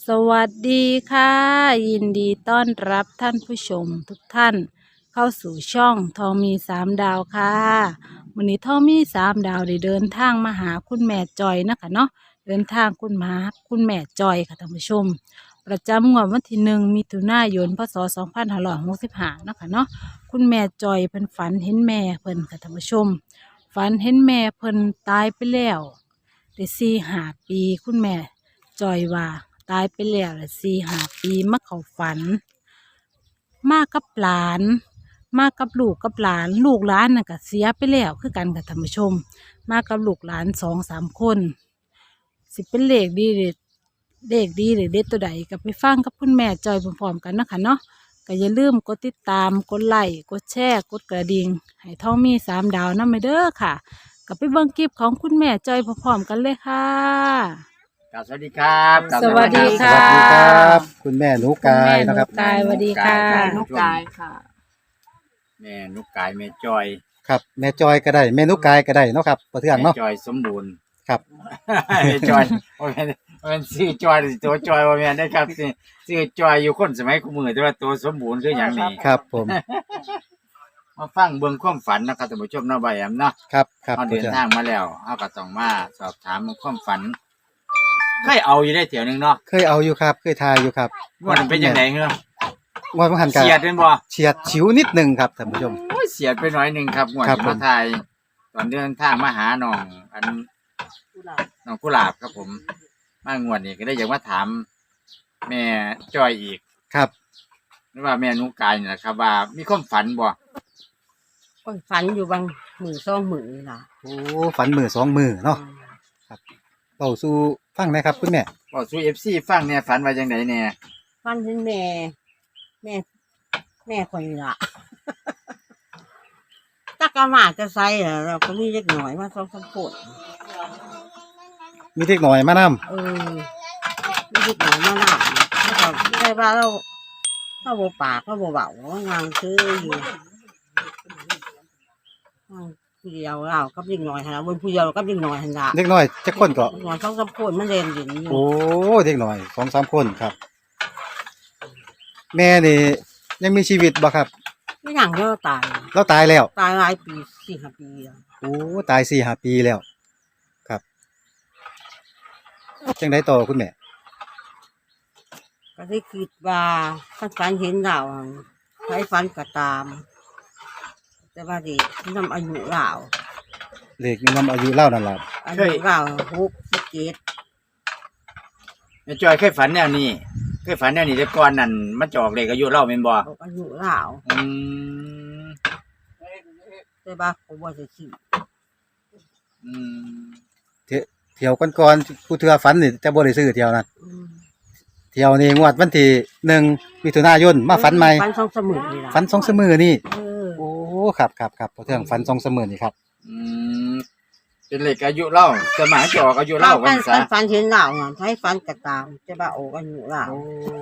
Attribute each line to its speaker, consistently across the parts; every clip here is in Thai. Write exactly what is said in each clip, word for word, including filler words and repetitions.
Speaker 1: สวัสดีค่ะยินดีต้อนรับท่านผู้ชมทุกท่านเข้าสู่ช่องทองมีสามดาวค่ะวันนี้ทองมีสามดาวได้เดินทางมาหาคุณแม่จอยนะคะเนาะเดินทางคุณมาคุณแม่จอยค่ะท่านผู้ชมประจำงวดวันที่หนึ่งมิถุนายนพศสองพันห้าร้อยหกสิบห้านะคะเนาะคุณแม่จอยเพิ่นฝันเห็นแม่เพิ่นค่ะท่านผู้ชมฝันเห็นแม่เพิ่นตายไปแล้วได้สี่ห้าปีคุณแม่จอยว่า ตายไปแล้วละสี่ห้าปีมาเข้าฝันมากับหลานมากับลูกกับหลานลูกหลานน่ะก็เสียไปแล้วคือกันกับท่านผู้ชมมากับลูกหลานสองสามคนสิเป็นเลขดีหรือเลขดีหรือเด็ดตัวใดก็ไปฟังกับคุณแม่จอยพร้อมๆกันนะคะเนาะก็อย่าลืมกดติดตามกดไลค์กดแชร์กดกระดิ่งให้ท่องมีสามดาวนั่นไปเด้อค่ะก็ไปเบิ่งคลิปของคุณแม่จอยพร้อมๆกันเลยค่ะ
Speaker 2: ครับสวัสดีครับครับ
Speaker 1: สวัสดีค่ะ
Speaker 3: สวัสดีครับคุณแม่หนูกายนะครับ
Speaker 1: กายสวัสดีค่ะ
Speaker 4: นุกกายค่ะ
Speaker 2: แม่นุกกายแม่จอย
Speaker 3: ครับแม่จอยก็ได้แม่หนูกายก็ได้เนาะครับประเทือง
Speaker 2: แม่
Speaker 3: เนาะ
Speaker 2: จอยสมบูรณ์
Speaker 3: ครับ
Speaker 2: แม่จอยว่าแม่ว่าแม่ชื่อจอยตัวจอยว่าแม่ได้ครับชื่อชื่อจอยอยู่คนสมัยกูมือแต่ว่าตัวสมบูรณ์คืออย่างนี้
Speaker 3: ครับผม
Speaker 2: มาฟังเบิ่งความฝันนะครับท่านผู้ชมเนาะใบแอมเนาะ
Speaker 3: ครับครับ
Speaker 2: เฮา
Speaker 3: ประ
Speaker 2: เดิน
Speaker 3: เทือง
Speaker 2: ทางมาแล้วเฮาก็ต้องมาสอบถามความฝันเคยเอาอยู่ได้เถียวหนึงเนาะ
Speaker 3: เคยเอาอยู่ครับเคยทายอยู่ครับ
Speaker 2: ว่ามันเป็นจังได๋เหรอ
Speaker 3: ว่ามันหันกัน
Speaker 2: เฉียดเป็นบ่
Speaker 3: เฉียดฉิวนิดหนึงครับท่านผู้ชม
Speaker 2: โอ้ยเฉียดไปหน่อยหนึงครับงวด
Speaker 3: ครับ
Speaker 2: ที่
Speaker 3: ผม
Speaker 2: มาถ่ายตอนเดินทางมาหาน้องอัน น้องกุหลาบครับผมมางวดนี้ก็ได้อยากมาถาม แม่จอยอีก
Speaker 3: ครับ
Speaker 2: หรือว่าแม่นุกกายนี่แหละครับว่ามีความฝันบ่
Speaker 4: ก็ฝันอยู่บางมือสองมือนี่ล่ะ
Speaker 3: โอ้ฝันมือสองมือเนาะเป่าสู่ฟังหนะครับคุณแม่
Speaker 2: บอกสู่ เอฟ ซี ฟังเนี่ยฝันว่าจังไดแน่
Speaker 4: ฝันเห็นแม่ แม่ แม่คนนี้ล่ะ ตักกะมาจะใส่เหรอเราก็มีเล็กหน่อยมาสองสามคน
Speaker 3: มีเด็กหน่อยมานํ
Speaker 4: เออมีเล็กหน่อยมาหน้าแล้วก็ได้ว่าเราเราโบปากเราโบเบางานซื้ออยู่งานผู้เดียวเรากับเล็กหน่อยฮะบนผู้เดียวกับเล็กหน่อยฮะละ
Speaker 3: เด็กน้อยจักคนก็
Speaker 4: เล็กหน่อยสองสามคนมันเรียนอยู่นี่
Speaker 3: โอ้เด็กน้อยสองสามคนครับ แม่นี่ยังมีชีวิตบ่ครับ
Speaker 4: ไม่อย่างเดียวตาย
Speaker 3: เราตายแล้ว
Speaker 4: ตายหลายปีสี่ห้าปีแล้ว
Speaker 3: โอ้ตายสี่ห้าปีแล้วครับจังไดต่อคุณแม่
Speaker 4: ก็ได้คิดว่าฝันฝันเห็นเราใช้ฝันก็ตาม แต่ว่าดินำอายุเรา
Speaker 3: เลขนำอายุเล่านั่นล่ะ
Speaker 4: อายุเราหกสิบเจ็ด
Speaker 2: แม่จอยเคยฝันแนวนี้เคยฝันแนวนี้แต่ก่อนนั่นมันจะออกเลขอายุเราแม่นบ่
Speaker 4: อายุเรา
Speaker 2: อืม
Speaker 4: แต่ว่าผมว่าจะคิด
Speaker 2: อืม
Speaker 3: เที่ยวเที่ยวก่อนๆผู้เทื่อฝันนี่จะบ่ได้ซื้อเที่ยวนั้น
Speaker 4: อืม
Speaker 3: เที่ยวนี้งวดวันที่หนึ่งมิถุนายนมาฝันใหม่
Speaker 4: ฝันสองสมุนนี่ล่ะ
Speaker 3: ฝันสองเสมอนี่
Speaker 4: เออ
Speaker 3: โอ้ครับครับครับพอเทื่องฝันสองเสมอนี่ครับ
Speaker 2: อืมเป็นเลขอายุเราสมัยจะออกอายุ
Speaker 4: เรา
Speaker 2: เรา
Speaker 4: ฝั
Speaker 2: วัน น
Speaker 4: ฝั
Speaker 2: ซะ
Speaker 4: นฝันเห็นเราใช้ฝันก็ตามแต่ว่าโอ้อายุเรา
Speaker 3: โอ้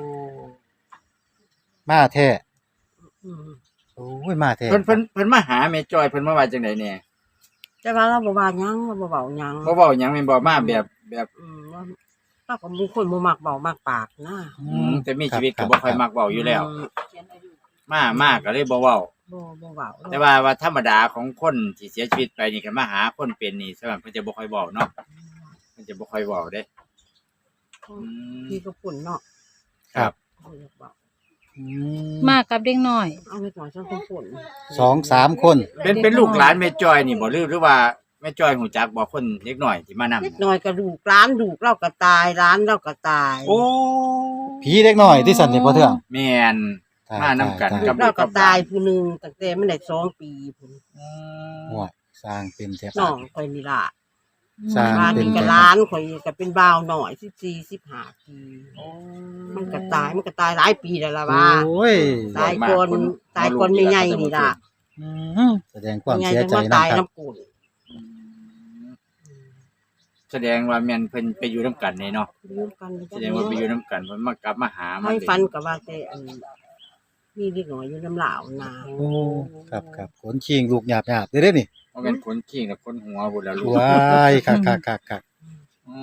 Speaker 3: มาแท้
Speaker 4: อืม
Speaker 3: โอ้ยมาแท้
Speaker 2: เพิ่นเพิ่นเพิ่นมาหาแม่จอยเพิ่นมาว่าจังไดแน่
Speaker 4: แต่ว่าเราบ่ว่าหยังเราบ่เบาหยัง
Speaker 2: บ่เว้าหยังแม่นบ่มาแบบแบบ
Speaker 4: อืมว่าเราก็มีคนบ่มักเบามากปากนะ
Speaker 2: อืมแต่มีชีวิตก็บ่ค่อยมักเว้าอยู่แล้ว
Speaker 4: ม
Speaker 2: มามากก็เลยบ่เว้า
Speaker 4: บ่บ่เบา
Speaker 2: แต่ว่าว่าธรรมดาของคนที่เสียชีวิตไปนี่ก็มาหาคนเป็นนี่สำหรับเพิ่นจะบ่ค่อยเว้าเนาะเพิ่นจะบ่ค่อยเว้าเด้อืม
Speaker 4: พี่ก็ปุ่นเนาะ
Speaker 3: ครับ
Speaker 4: เอาเรียกว่า
Speaker 3: อืม
Speaker 1: มากับเด็กน้อย
Speaker 4: เอาไปก่อนช่างปุ่น
Speaker 3: สองสามคน
Speaker 2: เป็นเป็นลูกหลานแม่จอยนี่บ่หรือหรือว่าแม่จอยหูจักบ่คนเล็กน้อยที่มานำ
Speaker 4: เล็กน้อยกระดูกร้านดูกเราก็ตายร้านเราก็ตาย
Speaker 2: โอ้
Speaker 3: ผีเด็กน้อยที่สันนี่พอเทื่อง
Speaker 2: แม่น
Speaker 3: ตาย
Speaker 2: มานำกัน
Speaker 3: ตาย
Speaker 4: ลูกเราก็ตายผู้หนึงตั้งแต่มันได้สองปีพุ่น
Speaker 2: อื
Speaker 3: โอ้
Speaker 2: ม
Speaker 3: ยสร้างเป็นแท้
Speaker 4: น้องข่อยนี่ล่ะ
Speaker 3: สร้าง
Speaker 4: ร้าน
Speaker 3: เป็น
Speaker 4: นี้ก็
Speaker 3: แท้
Speaker 4: ร้านข่อยก็เป็นบ่าวหน่อยสิบสี่ สิบห้าปีมันก็ตายมันก็ตายหลายปีแล้วล่ะว่า
Speaker 3: โอ้ย
Speaker 4: ตายก่อนตายก่อนใหญ่ๆนี่ล่ะ
Speaker 3: อืมแสดงความ
Speaker 4: ใหญ่
Speaker 3: เสีย
Speaker 4: จัง
Speaker 3: ใจ
Speaker 4: ว่า
Speaker 3: นะ
Speaker 4: ตาย
Speaker 3: ครับ
Speaker 4: น้ำกุ่น
Speaker 2: แสดงว่าแม่นเพิ่นไปอยู่นํกันนี่เนาะ
Speaker 4: ยืมกัน
Speaker 2: แสดงว่าไปอยู่นํกันเพิ่นมากลับมาหามา
Speaker 4: ให้ฟันกับว่าแต่อันมีเด็กน้อยอยู่น้ำเหลาวนา
Speaker 3: โอ้ครับครับขนชิงลูกหยาบหยาบเด้อเด้อนี่
Speaker 2: บ่แม่นคนขี้กับคนหัวพุ่นล่ะลูก
Speaker 3: ว้ายคักคักคักคัก
Speaker 2: อืม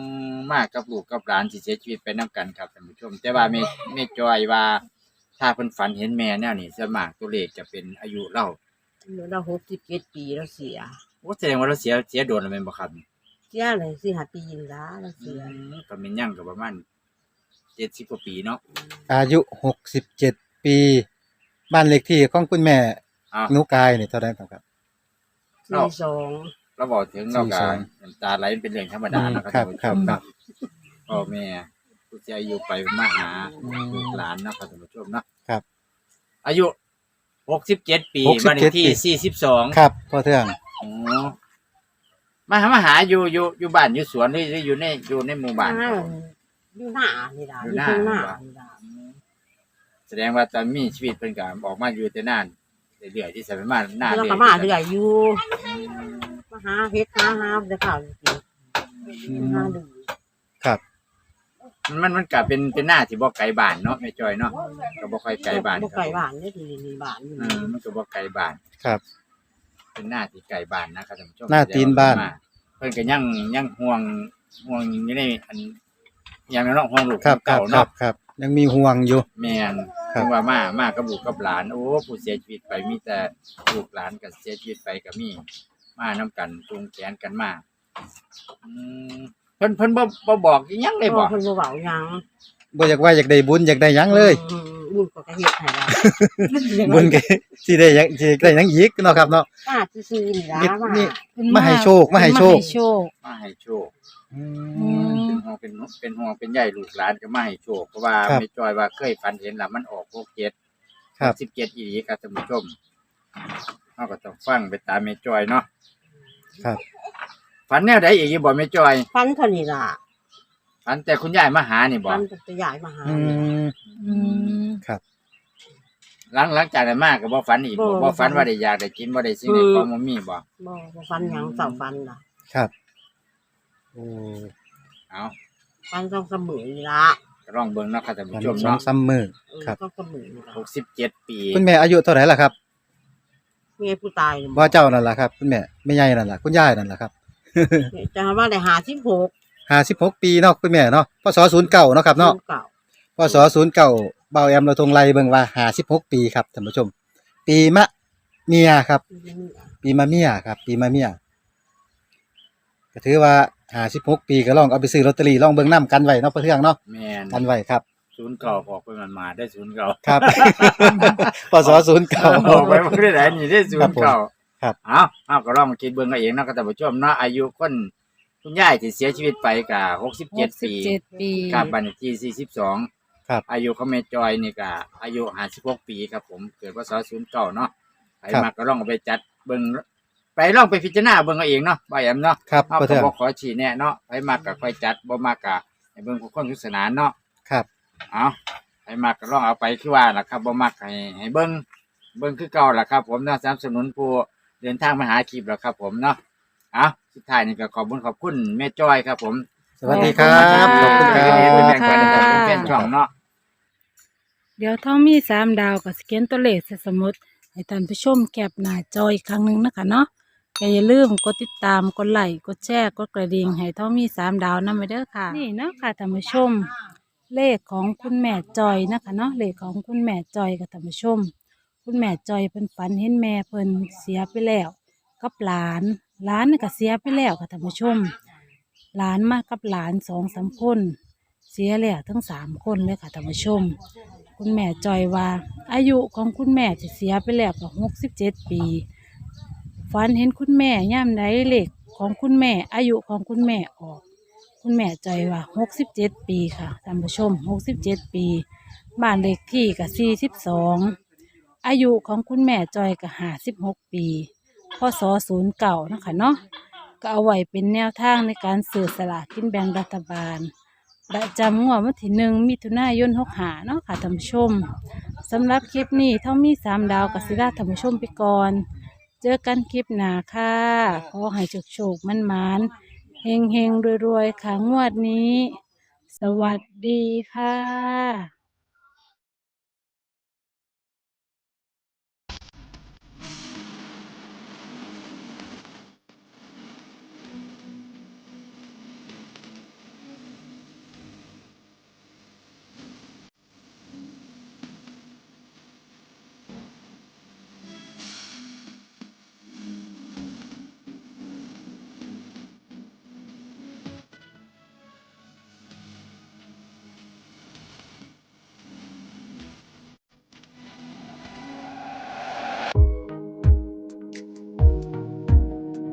Speaker 2: มากกับลูกกับหลานที่เสียชีวิตไปนํกันครับท่านผู้ชมแต่ว่าแม่แม่จอยว่าถ้าเพิ่นฝันเห็นแม่แนวนี้ส่วนมากตัวเลขจะเป็นอายุเรา
Speaker 4: เราหกสิบเจ็ดปีแล้วเสีย
Speaker 2: โอ้แสดงว่าเราเสียเสียโดนแล้วแม่นบ่ครับ
Speaker 4: เสียเลยสี่ห้าปีนี่ละเรา
Speaker 2: อื
Speaker 4: เสีย
Speaker 2: มก็แม่นยังก็ประมาณเจ็ดสิบกว่าปีเนาะ
Speaker 3: อายุหกสิบเจ็ดปีบ้านเลขที่ของคุณแม่
Speaker 2: อ้าว
Speaker 3: หนูกายนี่เท่าไหร่ครับ
Speaker 4: สี่สอง
Speaker 2: เราบอกถึงเราก็
Speaker 3: สี่สอง
Speaker 2: น้ำตาไหลเป็นเรื่องธรรมดาเนาะ
Speaker 3: ครั
Speaker 2: ท่า
Speaker 3: บ
Speaker 2: นผู้
Speaker 3: ค
Speaker 2: ช
Speaker 3: รับ
Speaker 2: ม
Speaker 3: ครับ
Speaker 2: พ่อแม่ผู้ที่อายุไปมาหา
Speaker 3: อืม
Speaker 2: ลูกหลานเนาะครับท่านผู้ชมเนาะ
Speaker 3: ครับ
Speaker 2: อายุหกสิบเจ็ดปี
Speaker 3: หกสิบ
Speaker 2: บ้านเล
Speaker 3: เจ็ด
Speaker 2: ขที่
Speaker 3: ปี
Speaker 2: สี่สิบสอง
Speaker 3: ครับพ่อเทือง
Speaker 2: อ๋อมาหามาหาอยู่อยู่อยู่บ้านอยู่สวนหรือหรืออยู่ในอยู่ในหมู่บ้านครับผม
Speaker 4: อยู่หน้านี่ละ
Speaker 2: อยู่
Speaker 4: อยู่
Speaker 2: หน้า
Speaker 4: ข้างหน้า
Speaker 2: ว่ะ
Speaker 4: นี่ละ
Speaker 2: แสดงว่าตอนมีชีวิตเพิ่นก็ออกมาอยู่แต่นานเรื่อยๆที่สมัยมาหน้า
Speaker 4: แล้ว
Speaker 2: เรื่
Speaker 4: ก็
Speaker 2: อย
Speaker 4: มาเรื่อยอยู่มาหาเฮ็ดหาหาจะข่าวจริงๆหาดู
Speaker 3: ครับ
Speaker 2: มันมันมันก็เป็นเป็นหน้าที่บ่ไกลบ้านเนาะแม่จอยเนาะก็บ่ค่อยไกลบ้าน
Speaker 4: บ่ไกลบ้านได้ทีนี่บ้านอยู่
Speaker 2: อืมมันก็บ่ไกลบ้าน
Speaker 3: ครับ
Speaker 2: เป็นหน้าที่ไกลบ้านนะครับท่านผู้ชม
Speaker 3: หน้าตีนบ้าน
Speaker 2: เพิ่นก็ยังยังห่วงห่วงอยู่ในอันอย่างนั้นเนาะห่วงลูก
Speaker 3: ครับครั
Speaker 2: เก่า
Speaker 3: บครั
Speaker 2: เนาะ
Speaker 3: บครับยังมีห่วงอยู่
Speaker 2: แม่น
Speaker 3: ครับ
Speaker 2: ถึงว่ามามากับลูกกับหลานโอ้ผู้เสียชีวิตไปมีแต่ลูกหลานก็เสียชีวิตไปก็มีมานํกันจูงแขนกันมาอืมเพิ่นเพิ่นบ่บ่บอกอิหยังเลยบ่
Speaker 4: เพิ่นบ่เว้าหยัง
Speaker 3: บ่อยากว่าอยากได้บุญอยากได้หยังเลย
Speaker 4: อืมบุญก็เฮ็ดให้ได้
Speaker 3: บุญก็สิได้หยังสิได้หยังอีกเนาะครับเนาะ
Speaker 4: มาซื่อๆนี่ล่ะ
Speaker 3: นี่
Speaker 4: มา
Speaker 3: นี่
Speaker 1: เพิ่น
Speaker 3: มาให้โชคมาให้โชค
Speaker 1: มาให้โชค
Speaker 2: มาให้โชค
Speaker 3: อื
Speaker 1: อื
Speaker 3: ม
Speaker 1: ม
Speaker 2: เป็นห่วงเป็นเป็นห่วงเป็นใยลูกหลานก็มาให้โชคเพราะว่า
Speaker 3: ครับ
Speaker 2: แม่จอยว่าเคยฝันเห็นแล้วมันออกหกเจ็ด
Speaker 3: ครับ
Speaker 2: สิบเจ็ดอีหลีครับท่านผู้ชมเฮาก็ต้องฟังไปตามแม่จอยเนาะ
Speaker 3: ครับ
Speaker 2: ฝันแนวใดอีกอยู่บ่แม่จอย
Speaker 4: ฟันเท่านี้ล่ะ
Speaker 2: ฝันแต่คุณยายมาหานี่บ่
Speaker 4: ฟันจะย้ายมาหา
Speaker 3: อืม
Speaker 1: อืม
Speaker 3: ครับ
Speaker 2: หลังหลังจากนั้นมาก็บ่ฝันอีกบ่บ่ฝันว่าได้อยากได้กินบ่ได้สิ่งใดของบ่มีบ่
Speaker 4: บ่บ่ฟันหยังเสาฟันล่ะ
Speaker 3: ครับโอ้
Speaker 2: เอา
Speaker 4: ฟันต้องเสมอนี่ล่ะ
Speaker 2: ก็ลองเบิ่งเนาะครับท่าน
Speaker 3: วั
Speaker 2: ผู้
Speaker 3: น
Speaker 2: ชม
Speaker 3: สอง
Speaker 2: เนาะ
Speaker 3: สามมื้อ
Speaker 4: เออ
Speaker 3: ครับ
Speaker 4: ต้องเสมอนี่ล่ะ
Speaker 2: หกสิบเจ็ดปี
Speaker 3: คุณแม่อายุเท่าไหร่ล่ะครับ
Speaker 4: เมียผู้ตายนี่
Speaker 3: บ่เจ้านั่นล่ะครับคุณแม่แม่ใหญ่นั่นล่ะคุณยายนั่นล่ะครับ
Speaker 4: จะว่าได้ห้าสิบหก
Speaker 3: ห้าสิบหกปีเนาะคุณแม่เนาะพศศูนย์เก้าเนาะครับเนาะ
Speaker 4: เก่า
Speaker 3: พศศูนย์เก้าเบาแอมเราทงไล่เบิ่งว่าห้าสิบหกปีครับท่านผู้ชม ปีมะเมียครับ ปีมะเมียครับ ปีมะเมียก็ถือว่าห้าสิบหกปีก็ลองเอาไปซื้อลอตเตอรี่ลองเบิ่งนํกันไว้เนาะเพื่อเทื่องเนาะ
Speaker 2: แม่น
Speaker 3: กันไว้ครับ
Speaker 2: ศูนย์เก่าออกไปมันมาได้ศูนย์เก่า
Speaker 3: ครับ พศศูนย์เก้า
Speaker 2: ออกไปบ่ได้ไหนนี่ได้ศูนย์เก่า
Speaker 3: ครับ
Speaker 2: เอาเอาก็ลองมาคิดเบิ่งเอาเองเนาะครับท่านผู้ชมเนาะอายุคนคุณยายที่เสียชีวิตไปก็หกสิบเจ็ดปี
Speaker 1: เจ็ดปี
Speaker 2: ครับบัดนที่สี่สิบสอง
Speaker 3: ครับ
Speaker 2: อายุของแม่จอยนี่ก็อายุห้าสิบหกปีครับผมเกิดพศศูนย์เก้าเนาะไป
Speaker 3: ครับ
Speaker 2: มาก็ลองเอาไปจัดเบิ่งไปลองไปพิจารณาเบิ่งเอาเองเนาะบ่าแอมเนาะ
Speaker 3: ครับ
Speaker 2: เอา
Speaker 3: เพื่อ
Speaker 2: ก็
Speaker 3: เทื่อง
Speaker 2: บ่ขอชี้แนะเนาะไปมากก็ค่อยจัดบ่มากก็ให้เบิ่งผู้คนสนุกสนานเนาะ
Speaker 3: ครับ
Speaker 2: เอาไปมากก็ลองเอาไปคือว่าล่ะครับบ่มักให้ให้เบิ่งเบิ่งคือเก่าล่ะครับ ผมเนาะสนับสนุนผู้เดินทางมาหาคลิปแล้วครับ ผมเนาะเอาสุดท้ายนี่ก็ขอบคุณขอบคุณแม่จอยครับ ผม
Speaker 3: สวัสดีครับขอบคุณค
Speaker 2: ที่
Speaker 3: รั
Speaker 2: ให้เป็น
Speaker 3: บ
Speaker 2: แบ่งปันให้กับแฟนช่องเนาะ
Speaker 1: เดี๋ยวท้องมีสามดาวกับสแกนตัวเลขใส่สมุดให้ท่านผู้ชมแคปหน้าจออีกครั้งหนึ่งนะคะเนาะก็อย่าลืมกดติดตามกดไลค์กดแชร์กดกระดิ่งให้ท้องมีสามดาวนำไปเด้อค่ะ นี่เนาะค่ะท่านผู้ชม เลขของคุณแม่จอยนะคะเนาะเลขของคุณแม่จอยกับท่านผู้ชม คุณแม่จอยเพิ่นฝันเห็นแม่เพิ่นเสียไปแล้วกับหลานหลานนี่ก็เสียไปแล้วค่ะท่านผู้ชม หลานมากับหลานสองสามคนเสียแล้วทั้งสามคนเลยค่ะท่านผู้ชม คุณแม่จอยว่า อายุของคุณแม่ที่เสียไปแล้วก็หกสิบเจ็ดปีฝันเห็นคุณแม่ย่ำใดเลขของคุณแม่ อายุของคุณแม่ออก คุณแม่จอยว่าหกสิบเจ็ดปีค่ะท่านผู้ชมหกสิบเจ็ดปีบ้านเลขที่กับสี่สิบสองอายุของคุณแม่จอยกับห้าสิบหกปีพศศูนย์เก่านะคะเนาะก็เอาไว้เป็นแนวทางในการสื่อสลากกินแบ่งรัฐบาลประจำงวดวันที่หนึ่งมิถุนายนหกหาเนาะค่ะท่านผู้ชมสำหรับคลิปนี้เท่ามีสามดาวกับศิลาท่านผู้ชมไปก่อน เจอกันคลิปหน้าค่ะขอให้โชคๆมันมันๆเฮงเฮงๆรวยๆค่ะงวดนี้ สวัสดีค่ะ